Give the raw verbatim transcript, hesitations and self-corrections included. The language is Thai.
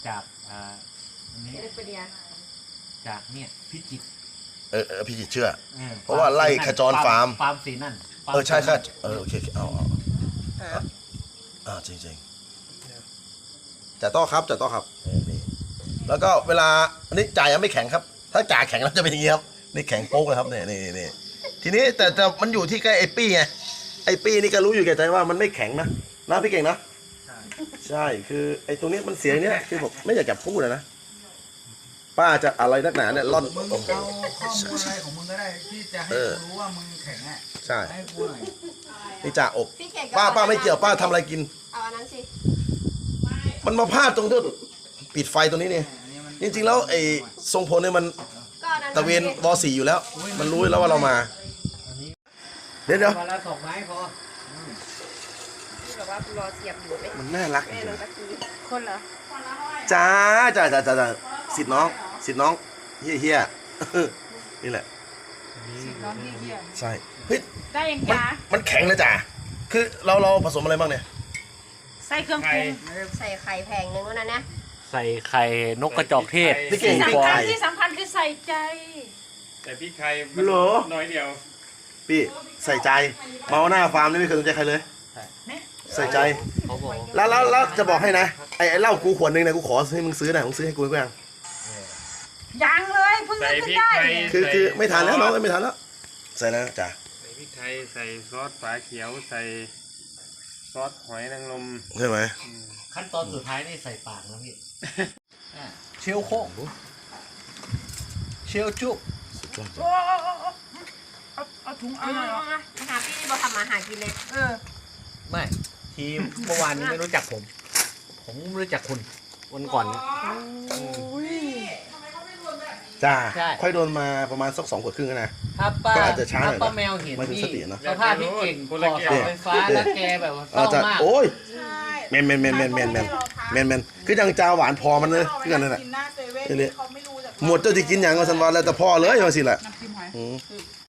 จากอ่าอันนี้จากเนี่ยพิจิตรเออเออพี่จิตเชื่อออเพราะว่าไล่ขจรฟาร์มฟาร์มสีนั่นฟาร์มเออใช่ค่ะสีนั่นเออโอเคเอาเอาเอาอ่าจริงจริงจ่าต้อครับจ่าต้อครับนี่แล้วก็เวลาอันนี้จ่ายังไม่แข็งครับ ถ้าจ่าแข็งแล้วจะเป็นอย่างนี้ครับนี่แข็งโป๊กเลยครับนี่นี่นี่ทีนี้แต่แต่มันอยู่ที่ใกล้ไอ้ปี้ไงไอ้ปี้นี่ก็รู้อยู่แก่ใจว่ามันไม่แข็งนะนะพี่เก่งนะใช่คือไอ้ตรงนี้มันเสียงเนี้ยคือผมไม่อยากจะพูดนะป้าจะอะไรนักหนาเนี่ยร่อนมึงเอาข้อมูลอะไรของมึงก็ได้ที่จะให้กูรู้ว่ามึงแข็งอ่ะใช่ให้กูหน่อยนี่จ่าอบพี่เก่งป้าป้าไม่เกี่ยวป้าทำอะไรกินเอาอันนั้นสิมันมาพลาดตรงที่ปิดไฟตรงนี้เนี่ยจริงๆแล้วไอ้ทรงพลเนี่ยมันก็อันนั้นตะเวนวอสี่อยู่แล้ว มันรู้แล้วว่าเรามา เดี๋ยวเดี๋ยววันละสองไม้พอที่แบบว่ารอเสียบอยู่ไม่มันน่ารักจแม่ริงน้องตะกี้คนเหรอๆจ้าจ้าจ้าจ้าจ้าสิทธิ์น้องสิทธิ์น้องเฮียเฮียนี่แหละน้องเหี้ยใช่เฮ้ยๆได้ยังมันจ้ามันแข็งนะจ้าคือเราเราผสมอะไรบ้างเนี่ยใส่เครื่องปรุงใส่ไข่แพงนึงแล้วนะนะใส่ไข่นกกระจอกเทศพี่เก่งที่พี่สำคัญไก่ที่สำคัญคือใส่ใจแต่พริกไทยมันเหรอน้อยเดียวพี่ใส่ใจเมาหน้าฟาร์มนี่ไม่เคยสนใจใครเลยใส่ใจเขาบอกแล้วแล้วแล้วจะบอกให้นะไอ้ไอ้เหล้ากูขวดนึงนะกูขอให้มึงซื้อหน่อยมึงซื้อให้กูกูยังยังเลยเพิ่งใส่นึกพขึ้รินกได้ไทยคือใส่คือไม่ทันแล้วซน้อองสไม่ทันแล้วใส่แล้วจ้าใส่พริกไทยใส่ซอสฝาเขียวใส่ซอสหอยนางรมใช่ไหมขั้นตอนสุดท้ายนี่ใส่ปากนะพี่อ่าเชลโค้งเชลจุบโอ้โอ้โอ้โอ้เอาเอาถุงเอาเอาหน่อยเอาเอามาหาพี่นี่บอกทำมาหากินเลยเออไม่ทีมเมื่อวานนี้ไม่รู้จักผม ผมไม่รู้จักคุณวันก่อนเนี่ยจ้าใช่ค่อยโดนมาประมาณสักสองขวดครึ่งแล้วนะถ้าป้าก็อาจจะช้าหน่อยนะถ้าป้าแมวเห็นไม่ถึงพี่สตินะสภาพพี่เก่งก่อเสาไฟฟ้าแล้วแกแบบว่าเศอาร้าจะมากโอ้ยแมนแมนแมนแมนแมนแมนแมนแมนคือจังจาหวานพอมันเลยคือกันนั่นแหละกินหน้าเซเว่นนี่เลยเขาไม่รู้จากหมดเจ้าจะกินอย่างก็สันวันแล้วแต่พ่อเลยว่าสิแหละน้ำจิ้มหอยอืม